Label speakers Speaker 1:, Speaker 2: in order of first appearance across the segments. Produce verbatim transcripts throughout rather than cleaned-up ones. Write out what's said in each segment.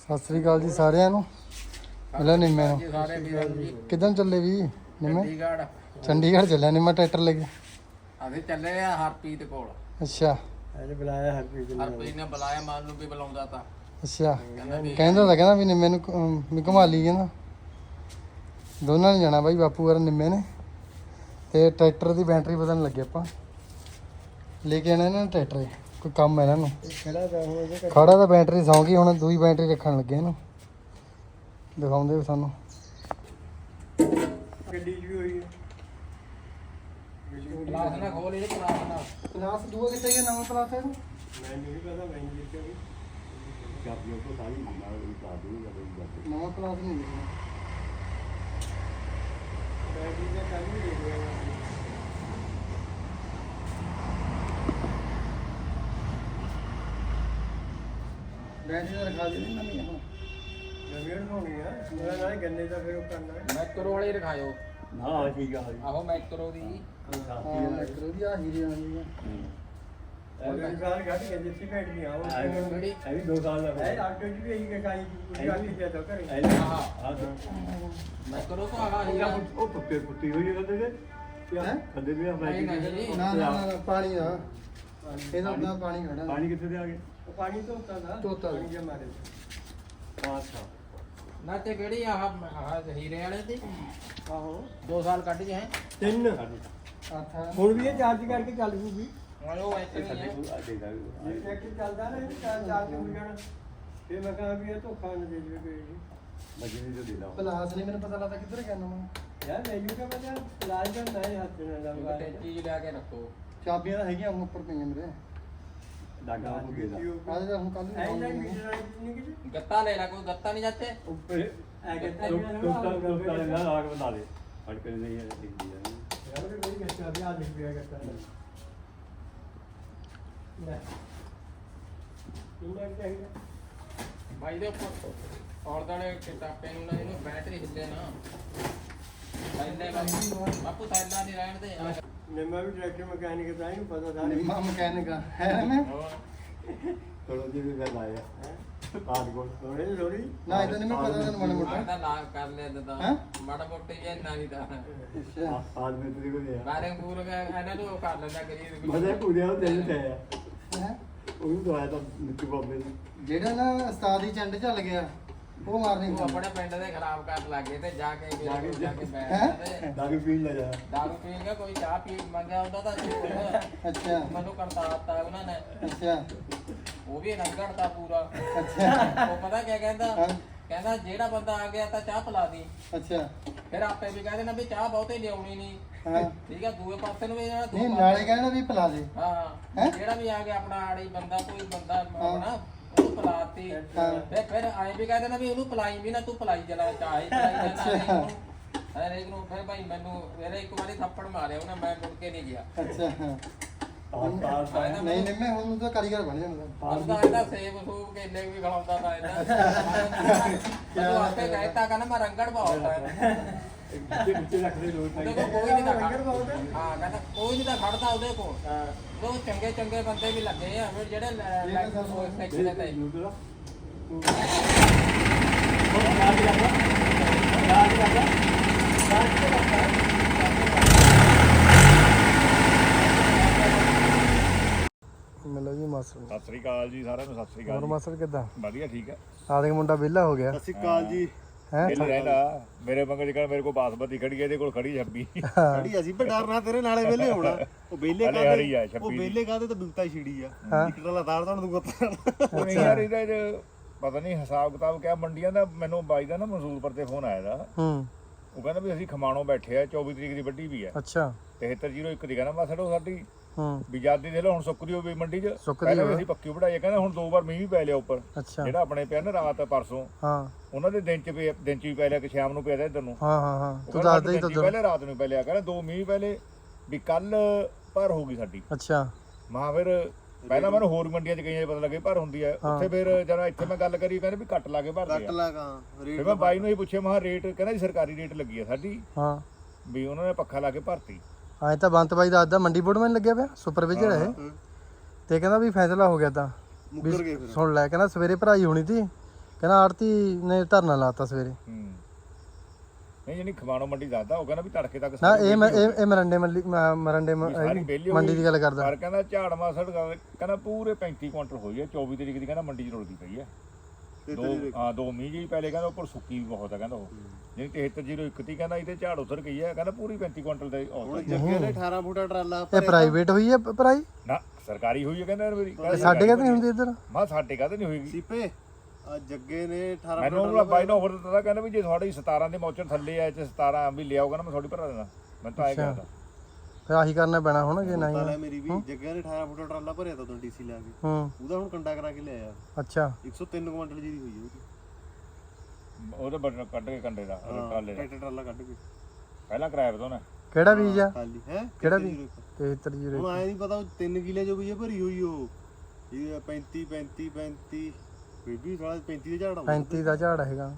Speaker 1: ਸਤਿ ਸ੍ਰੀ ਅਕਾਲ ਜੀ ਸਾਰਿਆਂ ਨੂੰ। ਮਿਲਿਆ ਨਿੰਮੇ ਨੂੰ। ਕਿੱਦਾਂ ਚੱਲੇ ਵੀ ਨਿੰਮੇ?
Speaker 2: ਚੰਡੀਗੜ੍ਹ
Speaker 1: ਚੰਡੀਗੜ੍ਹ ਚੱਲਿਆ ਨਿੰਮਾ ਟਰੈਕਟਰ ਲੈ ਕੇ।
Speaker 2: ਅਸੀਂ ਚੱਲੇ ਆ ਹਰਪ੍ਰੀਤ ਕੋਲ।
Speaker 1: ਅੱਛਾ
Speaker 3: ਅੱਜ ਬੁਲਾਇਆ ਹਰਪ੍ਰੀਤ ਨੇ।
Speaker 2: ਹਰਪ੍ਰੀਤ ਨੇ ਬੁਲਾਇਆ, ਮਾਨ ਨੂੰ ਵੀ ਬੁਲਾਉਂਦਾ ਤਾਂ
Speaker 1: ਅੱਛਾ ਕਹਿੰਦਾ ਤਾਂ ਕਹਿੰਦਾ ਵੀ ਨਿੰਮੇ ਨੂੰ ਅਮ, ਵੀ ਘੁਮਾ ਲਈ ਕਹਿੰਦਾ। ਦੋਨਾਂ ਨੇ ਜਾਣਾ ਬਾਈ, ਬਾਪੂ ਵਾਰ ਨਿੰਮੇ ਨੇ। ਤੇ ਟਰੈਕਟਰ ਦੀ ਬੈਟਰੀ ਬਦਲਣ ਲੱਗੇ ਆਪਾਂ। ਲੈ ਕੇ ਆਣਾ ਇਹਨਾਂ ਨੇ ਟਰੈਕਟਰ, ਕੋਈ ਕੰਮ ਹੈ ਇਹਨਾਂ ਨੂੰ।
Speaker 3: ਖੜਾ ਤਾਂ ਹੁਣ ਇਹਦੇ
Speaker 1: ਖੜਾ ਤਾਂ ਬੈਟਰੀ ਸੌਂ ਗਈ, ਹੁਣ ਦੂਈ ਬੈਟਰੀ ਰੱਖਣ ਲੱਗੇ ਇਹਨੂੰ। ਦਿਖਾਉਂਦੇ ਵੀ ਸਾਨੂੰ
Speaker 3: ਗੱਡੀ 'ਚ ਵੀ ਹੋਈ ਹੈ।
Speaker 2: ਪਲਾਸ ਨਾ ਖੋਲ ਇਹ ਪਲਾਸ ਨਾ।
Speaker 1: ਪਲਾਸ ਦੂਆ ਕਿੱਥੇ ਗਿਆ? ਨਵਾਂ ਪਲਾਸ ਹੈ
Speaker 3: ਮੈਂ ਨਹੀਂ ਪਤਾ, ਮੈਂ ਨਹੀਂ ਦੇਖਿਆ ਵੀ ਕਾਪੀਆਂ ਤੋਂ ਸਾਰੀ ਨਾਲ ਵੀ ਪਾ ਦੂੰਗਾ।
Speaker 1: ਨਵਾਂ ਪਲਾਸ ਨਹੀਂ ਦੇਖਿਆ।
Speaker 3: ਬੈਟਰੀ ਦਾ ਕੱਲ ਵੀ ਦੇਖ ਲਿਆ
Speaker 1: ਬੈਟਰੀ ਦਾ ਰਖਾ ਦੇ ਨਵੀਂ ਹੁਣ।
Speaker 3: ਨਵੀਂ ਹੋਣੀ ਆ। ਮੇਰਾ ਨਾਲ ਗੰਨੇ ਦਾ ਫਿਰ ਉਹ ਕਰਨਾ ਹੈ।
Speaker 2: ਮੈਕਰੋ ਵਾਲੇ ਰਖਾਇਓ।
Speaker 3: ਹਾਂ ਠੀਕ ਆ
Speaker 2: ਆਹੋ ਮੈਕਰੋ ਦੀ।
Speaker 1: ਹਾਂ ਮੈਕਰੋ ਦੀ ਆ ਹੀਰੇ ਆਉਂਦੀ ਆ।
Speaker 3: ਇਹ ਸਾਲ ਘੱਟ ਗਿਆ ਜਿੱਥੇ ਬੈਠ ਗਿਆ ਉਹ
Speaker 2: ਕਿਹੜੀ?
Speaker 3: ਇਹ ਵੀ ਦੋ ਸਾਲ ਦਾ ਹੈ। ਆਟੋ ਜੀ ਵੀ ਇਹੀ ਕਾਈ ਪੂਰੀ ਆ ਕੇ ਜਦੋਂ ਕਰੇ
Speaker 2: ਹਾਂ ਮੈਕਰੋ ਤੋਂ ਆਗਾ ਹੀਰਾ।
Speaker 3: ਉਹ ਪੁੱਤੇ ਪੁੱਤੀ ਹੋਈ ਹੈ ਕਦੇ
Speaker 1: ਹੈਂ?
Speaker 3: ਕਦੇ ਵੀ
Speaker 2: ਨਹੀਂ ਨਹੀਂ
Speaker 1: ਨਾ ਨਾ ਨਾ ਪਾਣੀ ਦਾ ਇਹਦਾ ਉਦਾਂ ਪਾਣੀ ਖੜਾ।
Speaker 3: ਪਾਣੀ ਕਿੱਥੇ ਦੇ ਆ ਗਏ? ਪਾਣੀ ਧੋਤਾ ਦਾ
Speaker 1: ਧੋਤਾ ਦਾ।
Speaker 3: ਪਾਣੀ ਜਿਹਾ ਮਾਰੇ ਅੱਛਾ
Speaker 2: ਨਾ ਤੇ ਕਿਹੜੀ ਆਹ ਆਹ ਹੀਰੇ ਵਾਲੇ ਦੀ
Speaker 3: ਆਹੋ
Speaker 2: ਦੋ ਸਾਲ ਕੱਢ ਗਏ ਹੈ।
Speaker 3: ਤਿੰਨ
Speaker 1: ਆਥਾ
Speaker 3: ਹੁਣ ਵੀ ਇਹ ਚਾਰਜ ਕਰਕੇ ਚੱਲ ਜੂਗੀ।
Speaker 2: ਉਹ ਐਸੇ ਨਹੀਂ ਹੈ।
Speaker 3: ਇਹ ਟਰੈਕਟਰ ਚੱਲਦਾ ਨਾ ਇਹ ਚਾਰ ਚਾਰਜ ਹੋ ਜਾਣਾ। ਫਿਰ ਮੈਂ ਕਹਾਂ ਵੀ ਇਹ ਧੋਖਾ ਨਾ ਦੇ ਜਵੇ ਕੋਈ ਜੀ ਮਜਨੀ ਤੋਂ ਦੇ ਲਾ।
Speaker 1: ਪਲਾਸ ਨਹੀਂ ਮੈਨੂੰ ਪਤਾ ਲੱਗਦਾ ਕਿੱਧਰ ਗਿਆ ਨਵਾਂ।
Speaker 3: ਯਾਰ ਲੈ ਜੂਗਾ ਮੈਂ ਲਾਜ ਦਾ ਨਹੀਂ ਹੱਥ ਨਾਲ ਲਾਉਂਗਾ।
Speaker 2: ਤੇ ਚੀਜ਼ ਲੈ ਕੇ ਰੱਖੋ।
Speaker 1: ਚਾਬੀਆਂ ਤਾਂ ਹੈਗੀਆਂ ਹੁਣ ਉੱਪਰ ਪਈਆਂ ਮੇਰੇ।
Speaker 3: ਡਾਗਾ ਹੋ ਗਿਆ
Speaker 1: ਆਹ ਤਾਂ ਹੁਣ ਕੱਲ
Speaker 3: ਐ
Speaker 1: ਨੂੰ
Speaker 3: ਨਹੀਂ ਮੀਟਰ ਵਾਲੀ ਨਹੀਂ ਕਿਤੇ
Speaker 2: ਗੱਤਾ ਲੈ ਲੈ, ਕੋਈ ਗੱਤਾ ਨਹੀਂ ਜਾਂਦੇ।
Speaker 3: ਉੱਪਰ ਐ ਕਹਿੰਦਾ ਦੋਸਤਾਂ ਦੋਸਤਾਂ ਨੇ ਨਾਲ ਆਗ ਬਣਾ ਦੇ ਫੜ ਕੇ ਨਹੀਂ ਹੈ ਦਿਖਦੀ ਹੈ ਯਾਰ ਵੀ ਬੜੀ ਗੱਟਾ ਵੀ ਆ ਦਿਖ ਪਿਆ ਗੱਟਾ ਲੈ ਇਹਨਾਂ ਚਾਹੀਦਾ
Speaker 2: ਭਾਈ ਦੇ ਉੱਪਰ ਔਰ ਦਾਲੇ ਕਿਤਾਬੇ ਨੂੰ ਨਾ ਇਹਨੂੰ ਬੈਟਰੀ ਹਿੱਲੇ ਨਾ। ਥੈਲੇ ਬਾਪੂ ਥੈਲਾ ਨਹੀਂ ਰਹਿਣ ਦੇ।
Speaker 3: ਨਿੰਮਾ ਵੀ ਟਰੈਕਟਰ ਮਕੈਨਿਕ ਦਾ ਇਹਨੂੰ ਪਤਾ ਸਾਰੇ
Speaker 1: ਨਿੰਮਾ ਮਕੈਨਿਕ ਹੈ ਮੈਂ।
Speaker 3: ਥੋੜਾ ਜਿਹਾ ਵੀ ਗੱਲ ਆਇਆ ਆਦ ਕੋਲ ਥੋੜੇ ਥੋੜੀ
Speaker 1: ਨਾ ਇਹਦਾ ਨਹੀਂ ਮੈਂ ਪਤਾ ਤੈਨੂੰ ਮਾੜਾ ਮੋਟਾ।
Speaker 2: ਮਾੜਾ ਲਾ ਕਰ ਲਿਆ ਤਾਂ
Speaker 1: ਹੈਂ?
Speaker 2: ਮਾੜਾ ਮੋਟੇ ਜੇ ਇੰਨਾ ਨਹੀਂ ਤਾਂ
Speaker 1: ਅੱਛਾ
Speaker 3: ਆਦ ਮੇ ਤੇਰੇ ਕੋਲ ਆ
Speaker 2: ਬਾਰੇ ਪੂਰ ਗਿਆ ਇਹਨਾਂ ਨੂੰ ਕਰ ਲੈਂਦਾ ਕਰੀ।
Speaker 3: ਮਜ਼ੇ ਪੂਰੇ ਉਹ ਦਿਲ ਤੇ ਆਇਆ
Speaker 1: ਹੈਂ?
Speaker 3: ਉਹ ਵੀ ਦਵਾਇਆ ਤਾਂ ਮਿੱਟੂ ਬਾਬੇ ਨੂੰ
Speaker 1: ਜਿਹੜਾ ਨਾ ਉਸਤਾਦ ਦੀ ਚੰਡ ਚੱਲ ਗਿਆ ਉਹ ਮਾਰਨੀ
Speaker 2: ਉਹ ਆਪਣੇ ਪਿੰਡ ਦੇ ਖਰਾਬ ਕਰਨ ਲੱਗੇ ਤੇ ਜਾ ਕੇ
Speaker 3: ਜਾ ਕੇ-
Speaker 2: ਜਾ ਕੇ ਬੈਠ
Speaker 1: ਹੈਂ?
Speaker 2: ਜਾਂਦੇ।
Speaker 3: ਦਾਰੂ ਪੀਣ ਲੱਗਾ
Speaker 2: ਦਾਰੂ ਪੀਣ ਗਿਆ, ਕੋਈ ਚਾਹ ਪੀ ਮੰਗਿਆ ਹੁੰਦਾ ਤਾਂ
Speaker 1: ਅੱਛਾ
Speaker 2: ਮੈਨੂੰ ਕਰਤਾ ਦਿੱਤਾ ਉਹਨਾਂ ਨੇ।
Speaker 1: ਅੱਛਾ
Speaker 2: ਉਹ ਵੀ ਰੰਗੜਤਾ ਪੂਰਾ।
Speaker 1: ਅੱਛਾ
Speaker 2: ਉਹ ਪਤਾ ਕੀ ਕਹਿੰਦਾ?
Speaker 1: ਹਾਂ।
Speaker 2: ਕਹਿੰਦਾ ਜਿਹੜਾ ਬੰਦਾ ਆ ਗਿਆ ਤਾਂ ਚਾਹ ਪਿਲਾ ਦੀ।
Speaker 1: ਅੱਛਾ
Speaker 2: ਫਿਰ ਆਪੇ ਵੀ ਕਹਿੰਦੇ ਨਾ ਵੀ ਚਾਹ ਬਹੁਤੇ ਲਿਆਉਣੀ ਨਹੀਂ।
Speaker 1: ਹਾਂ
Speaker 2: ਠੀਕ ਆ, ਦੂਏ ਪਾਸੇ ਨੂੰ ਵੀ ਜਾਣਾ, ਦੂਏ
Speaker 1: ਨਹੀਂ
Speaker 2: ਪਾਸੇ-
Speaker 1: ਨਾਲੇ ਕਹਿਣਾ ਵੀ ਪਿਲਾ ਦੇ।
Speaker 2: ਹਾਂ
Speaker 1: ਹੈਂ?
Speaker 2: ਜਿਹੜਾ ਵੀ ਆ ਗਿਆ ਆਪਣਾ ਆੜੀ ਬੰਦਾ, ਕੋਈ ਬੰਦਾ
Speaker 1: ਹਾਂ।
Speaker 2: ਆਪਣਾ ਉਹਨੂੰ ਪਿਲਾਤੀ।
Speaker 1: ਹਾਂ।
Speaker 2: ਫਿਰ ਫਿਰ ਆਏ ਵੀ ਕਹਿੰਦੇ ਨਾ ਵੀ ਉਹਨੂੰ ਪਿਲਾਈ ਵੀ ਨਾ, ਤੂੰ ਪਿਲਾਈ ਚਲਾ ਚਾਹੇ ਪਿਲਾਈ ਜਾਣਾ। ਹਰੇਕ ਨੂੰ ਫਿਰ ਭਾਈ ਮੈਨੂੰ ਮੇਰੇ ਇੱਕ ਵਾਰੀ ਥੱਪੜ ਮਾਰਿਆ ਉਹਨੇ, ਮੈਂ ਮੁੜ ਕੇ ਨਹੀਂ ਗਿਆ।
Speaker 1: ਅੱਛਾ ਹਾਂ।
Speaker 3: ਪਾਸ ਪਾਸ
Speaker 1: ਨਹੀਂ ਨਹੀਂ ਮੈਂ ਹੁਣ ਤਾਂ ਕਾਰੀਗਰ ਬਣ ਜਾਣਾ।
Speaker 2: ਉਹਦਾ ਇਹਦਾ ਸੇਬ ਸੂਬ ਕੇਲੇ ਵੀ ਖਿਲਾਉਂਦਾ ਤਾਂ ਇਹਦਾ। ਉਹ ਆਪੇ ਕਹਿਤਾ ਕਹਿੰਦਾ ਮੈਂ ਰੰਗੜ ਬਹੁਤ ਹੈ।
Speaker 3: ਵਿੱਚੇ ਵਿੱਚੇ ਰੱਖਦੇ ਲੋਕ
Speaker 2: ਉਹਦੇ ਕੋਲ ਕੋਈ ਨਹੀਂ ਤਾਂ ਖੜਦਾ। ਹਾਂ ਕਹਿੰਦਾ ਕੋਈ ਨਹੀਂ ਤਾਂ ਖੜਦਾ ਉਹਦੇ ਕੋਲ। ਉਹ ਚੰਗੇ ਚੰਗੇ ਬੰਦੇ ਵੀ ਲੱਗੇ ਆ ਫਿਰ ਜਿਹੜੇ ਸੈਕਸ਼ਨ ਤੇ।
Speaker 1: ਮਿਲੋ ਜੀ ਮਾਸਟਰ।
Speaker 4: ਸਤਿ ਸ੍ਰੀ ਅਕਾਲ ਜੀ ਸਾਰਿਆਂ ਨੂੰ। ਸਤਿ ਸ੍ਰੀ
Speaker 1: ਹੋਰ
Speaker 4: ਅਕਾਲ
Speaker 1: ਮਾਸਟਰ ਕਿੱਦਾਂ?
Speaker 4: ਜੀ। ਵਧੀਆ ਠੀਕ ਹੈ।
Speaker 1: ਆ ਦੇਖ ਮੁੰਡਾ ਵਿਹਲਾ ਹੋ ਗਿਆ
Speaker 3: ਸਤਿ ਸ਼੍ਰੀ ਅਕਾਲ ਜੀ।
Speaker 1: ਹੈ
Speaker 4: ਇਹ ਰਹਿਣਾ ਮੇਰੇ ਮੰਗਲ ਜਿਹੜਾ ਮੇਰੇ ਕੋਲ ਬਾਸਮਤੀ ਖੜੀ ਹੈ, ਇਹਦੇ ਕੋਲ ਖੜੀ ਛੱਬੀ।
Speaker 3: ਖੜੀ ਅਸੀਂ ਪਰ ਡਰਨਾ ਤੇਰੇ ਨਾਲੇ ਵੇਲੇ ਹੋਣਾ। ਉਹ ਵੇਲੇ
Speaker 4: ਹਲੇ ਹਰੀ ਆ
Speaker 3: ਉਹ
Speaker 4: ਛੱਬੀ
Speaker 3: ਵੇਲੇ ਕਾਦੇ ਤਾਂ ਬਿਲਤਾ ਛਿੜੀ ਆ
Speaker 1: ਹਾਂ।
Speaker 3: ਇੱਕ ਟਲਾ ਤਾਰ ਤਾਂ ਤੂੰ ਗੁੱਤ
Speaker 4: ਉਹ ਨਹੀਂ ਯਾਰ ਇਹਦਾ ਇਹ ਪਤਾ ਨਹੀਂ ਹਿਸਾਬ ਕਿਤਾਬ ਕਿਆ ਮੰਡੀਆਂ ਦਾ। ਮੈਨੂੰ ਬਾਈ ਦਾ ਨਾ ਮਨਸੂਰਪੁਰ ਤੇ ਫੋਨ ਆਇਆ ਦਾ।
Speaker 1: ਹੂੰ
Speaker 4: ਉਹ ਕਹਿੰਦਾ ਵੀ ਅਸੀਂ ਖਮਾਣੋਂ ਬੈਠੇ ਆ, ਚੌਵੀ ਤਰੀਕ ਦੀ ਵੱਡੀ ਵੀ ਆ।
Speaker 1: ਅੱਛਾ
Speaker 4: ਤਿਹੱਤਰ ਜ਼ੀਰੋ ਇੱਕ ਦੀ ਕਹਿੰਦਾ ਮਾਸੜੋ ਸਾਡੀ
Speaker 1: ਹੂੰ
Speaker 4: ਵੀ ਜਾਦੀ ਦੇ ਲੋ ਹੁਣ ਸੁੱਕਦੀ ਹੋਵੇ ਮੰਡੀ 'ਚ।
Speaker 1: ਸੁੱਕਦੀ
Speaker 4: ਪਹਿਲਾਂ ਵੀ
Speaker 1: ਹੋਵੇ।
Speaker 4: ਅਸੀਂ ਪੱਕੀ ਵਢਾਈ ਆ। ਕਹਿੰਦਾ ਹੁਣ ਦੋ ਵਾਰ ਮੀਂਹ ਵੀ ਪੈ ਲਿਆ ਉੱਪਰ,
Speaker 1: ਅੱਛਾ
Speaker 4: ਜਿਹੜਾ ਆਪਣੇ ਪਿਆ ਨਾ ਰਾਤ ਪਰਸੋਂ।
Speaker 1: ਹਾਂ
Speaker 4: ਉਹਨਾਂ ਦੇ ਦਿਨ 'ਚ ਪਿਆ, ਦਿਨ 'ਚ ਵੀ ਪੈ ਲਿਆ ਕਿ ਸ਼ਾਮ ਨੂੰ ਪਿਆ ਦਾ ਇੱਧਰ ਨੂੰ।
Speaker 1: ਹਾਂ ਹਾਂ ਹਾਂ
Speaker 4: ਉਹ
Speaker 1: ਤੂੰ
Speaker 4: ਕਹਿੰਦਾ
Speaker 1: ਦੱਸਦਾ ਹੀ
Speaker 4: ਸਾਨੂੰ
Speaker 1: ਤਾਂ
Speaker 4: ਪਹਿਲੇ ਰਾਤ ਨੂੰ ਪਹਿਲੇ ਆ ਕਹਿੰਦਾ ਦੋ ਮੀਂਹ ਪਹਿਲੇ ਵੀ ਕੱਲ ਭਰ ਹੋ ਗਈ ਸਾਡੀ।
Speaker 1: ਅੱਛਾ
Speaker 4: ਮਾਂ ਫਿਰ ਪਹਿਲਾਂ ਮੈਨੂੰ ਹੋਰ ਮੰਡੀਆਂ 'ਚ ਗਈਆਂ ਪਤਾ ਲੱਗੇ ਭਰ ਹੁੰਦੀ ਹੈ ਉੱਥੇ। ਫਿਰ ਜਦੋਂ ਇੱਥੇ ਮੈਂ ਗੱਲ ਕਰੀ ਕਹਿੰਦੇ ਵੀ ਘੱਟ ਲਾ ਕੇ ਭਰਦੇ ਆ।
Speaker 3: ਲਗਾ
Speaker 4: ਫਿਰ ਮੈਂ ਬਾਈ ਨੂੰ ਇਹ ਪੁੱਛਿਆ ਮਹਾ ਰੇਟ, ਕਹਿੰਦਾ ਜੀ ਸਰਕਾਰੀ ਰੇਟ ਲੱਗੀ ਆ ਸਾਡੀ
Speaker 1: ਹਾਂ
Speaker 4: ਵੀ ਉਹਨਾਂ ਨੇ ਪੱਖਾ ਲਾ ਕੇ ਭਰਤੀ।
Speaker 1: ਐਂ ਤਾਂ ਬੰਤ ਬਾਈ ਦੱਸਦਾ ਮੰਡੀ ਬੋਰਡ ਮੈਨੂੰ ਲੱਗਿਆ ਪਿਆ ਸੁਪਰਵਾਈਜ਼ਰ ਹੈ ਤੇ ਕਹਿੰਦਾ ਵੀ ਫੈਸਲਾ ਹੋ ਗਿਆ ਤਾਂ ਵੀ ਸੁਣ ਲੈ ਕਹਿੰਦਾ ਸਵੇਰੇ ਭਰਾਈ ਹੋਣੀ ਸੀ ਕਹਿੰਦਾ ਆੜਤੀ ਨੇ ਧਰਨਾ ਲਾਤਾ ਸਵੇਰੇ।
Speaker 4: ਹੂੰ ਨਹੀਂ ਜਿਹੜੀ ਖਮਾਣੋ ਮੰਡੀ ਦੱਸਦਾ ਉਹ ਕਹਿੰਦਾ ਵੀ ਤੜਕੇ ਤੱਕ
Speaker 1: ਨਾ ਇਹ ਮੈਂ- ਇਹ ਇਹ ਮਰੰਡੇ ਮੰਡੀ ਮ- ਮਰੰਡੇ ਮ-
Speaker 4: ਸਾਰੀ ਵਿਹਲੀ ਹੋ
Speaker 1: ਮੰਡੀ
Speaker 4: ਗਈ।
Speaker 1: ਦੀ ਗੱਲ ਕਰਦਾ।
Speaker 4: ਪਰ ਕਹਿੰਦਾ ਝਾੜ ਮਾਸੜ ਕਹਿੰਦਾ ਪੂਰੇ ਪੈਂਤੀ ਕੁਇੰਟਲ ਹੋਈ ਹੈ ਚੌਵੀ ਤਰੀਕ ਦੀ ਕਹਿੰਦਾ ਮੰਡੀ 'ਚ ਰੁਲਦੀ ਪਈ ਹੈ। ਦੋ ਹਾਂ ਦੋ ਮੀਂਹ ਜੀ ਪਹਿਲੇ ਕਹਿੰਦਾ ਉੱਪਰ ਸੁੱਕੀ ਵੀ ਬਹੁਤ ਹੈ ਕਹਿੰਦਾ ਉਹ ਜਿਹੜੀ ਤੇਹੱਤਰ ਜ਼ੀਰੋ ਇੱਕ ਤੀ ਕਹਿੰਦਾ ਇਹਦੇ ਝਾੜ ਉਤਰ ਗਈ ਹੈ ਕਹਿੰਦਾ ਪੂਰੀ ਪੈਂਤੀ ਕੁਇੰਟਲ ਦੇ ਔਸਤ
Speaker 5: ਜੱਗੇ ਨੇ ਅਠਾਰਾਂ ਫੁੱਟਾ ਟਰਾਲਾ
Speaker 1: ਇਹ ਪ੍ਰਾਈਵੇਟ ਹੋਈ ਹੈ ਭਰਾਈ?
Speaker 4: ਨਾ ਸਰਕਾਰੀ ਹੋਈ ਹੈ ਕਹਿੰਦਾ ਮੇਰੀ
Speaker 1: ਸਾਡੇ ਕਹਿੰਦੇ ਨਹੀਂ ਹੁੰਦੀ ਇੱਧਰ।
Speaker 4: ਮਾ ਸਾਡੇ ਕਾਹਦੇ ਨਹੀਂ ਹੋਏਗੀ
Speaker 5: ਸੀਪੇ ਆ ਜੱਗੇ ਨੇ ਅਠਾਰਾਂ
Speaker 4: ਮੈਨੂੰ ਉਹਦਾ ਬਾਈ ਨੇ ਆਫਰ ਦਿੱਤਾ ਕਹਿੰਦਾ ਵੀ ਜੇ ਤੁਹਾਡੀ ਸਤਾਰਾਂ ਦੇ ਮੌਚਰ ਥੱਲੇ ਆਏ ਤੇ ਸਤਾਰਾਂ ਵੀ ਲਿਆਓਗਾ ਨਾ ਮੈਂ ਤੁਹਾਡੀ ਭਰਾ ਦੇਣਾ ਮੈਂ ਤਾਂ ਆਏ ਕਹਿੰਦਾ
Speaker 1: ਫਿਰ ਆਹੀ ਕਰਨਾ ਪੈਣਾ ਹੁਣ ਜੇ ਨਹੀਂ।
Speaker 5: ਲੈ ਮੇਰੀ ਵੀ ਜੱਗੇ ਨੇ ਅਠਾਰਾਂ ਫੁੱਟਾ ਟਰਾਲਾ ਭਰਿਆ ਤਾਂ ਤੁਹਾਨੂੰ ਡੀਸੀ ਲਾ ਕੇ
Speaker 1: ਹੂੰ
Speaker 5: ਉਹਦਾ ਹੁਣ ਕੰਡਾ ਕਰਾ ਕੇ ਲਿਆਇਆ
Speaker 1: ਅੱਛਾ
Speaker 5: ਇੱਕ ਸੌ ਤਿੰਨ ਕੁਇੰਟਲ ਜੀ ਦੀ ਹੋਈ ਹੈ ਉਹਦੀ
Speaker 4: ਉਹਦੇ ਬਟਨ ਕੱਢ ਕੇ ਕੰਡੇ ਦਾ ਟਰਾਲੇ ਦਾ
Speaker 5: ਟਰੈਕਟਰ ਟਰਾਲਾ ਕੱਢ ਕੇ
Speaker 4: ਪਹਿਲਾਂ ਕਰਾਇਆ ਬਤੋ ਨਾ
Speaker 1: ਕਿਹੜਾ ਬੀਜ ਆ?
Speaker 5: ਖਾਲੀ ਹੈ
Speaker 1: ਕਿਹੜਾ ਬੀਜ? ਤੇਹੱਤਰ ਜੀਰੋ
Speaker 5: ਹੁਣ ਆਇਆ ਨਹੀਂ ਪਤਾ ਉਹ ਤਿੰਨ ਕਿਲੇ ਜੋ ਵੀ ਹੈ ਭਰੀ ਹੋਈ ਉਹ ਇਹ ਪੈਂਤੀ ਪੈਂਤੀ ਪੈਂਤੀ ਬੇਬੀ ਸਾਲਾ ਪੈਂਤੀ ਦੇ ਝਾੜ ਆਉਂਦਾ
Speaker 1: ਪੈਂਤੀ ਦਾ ਝਾੜ ਹੈਗਾ।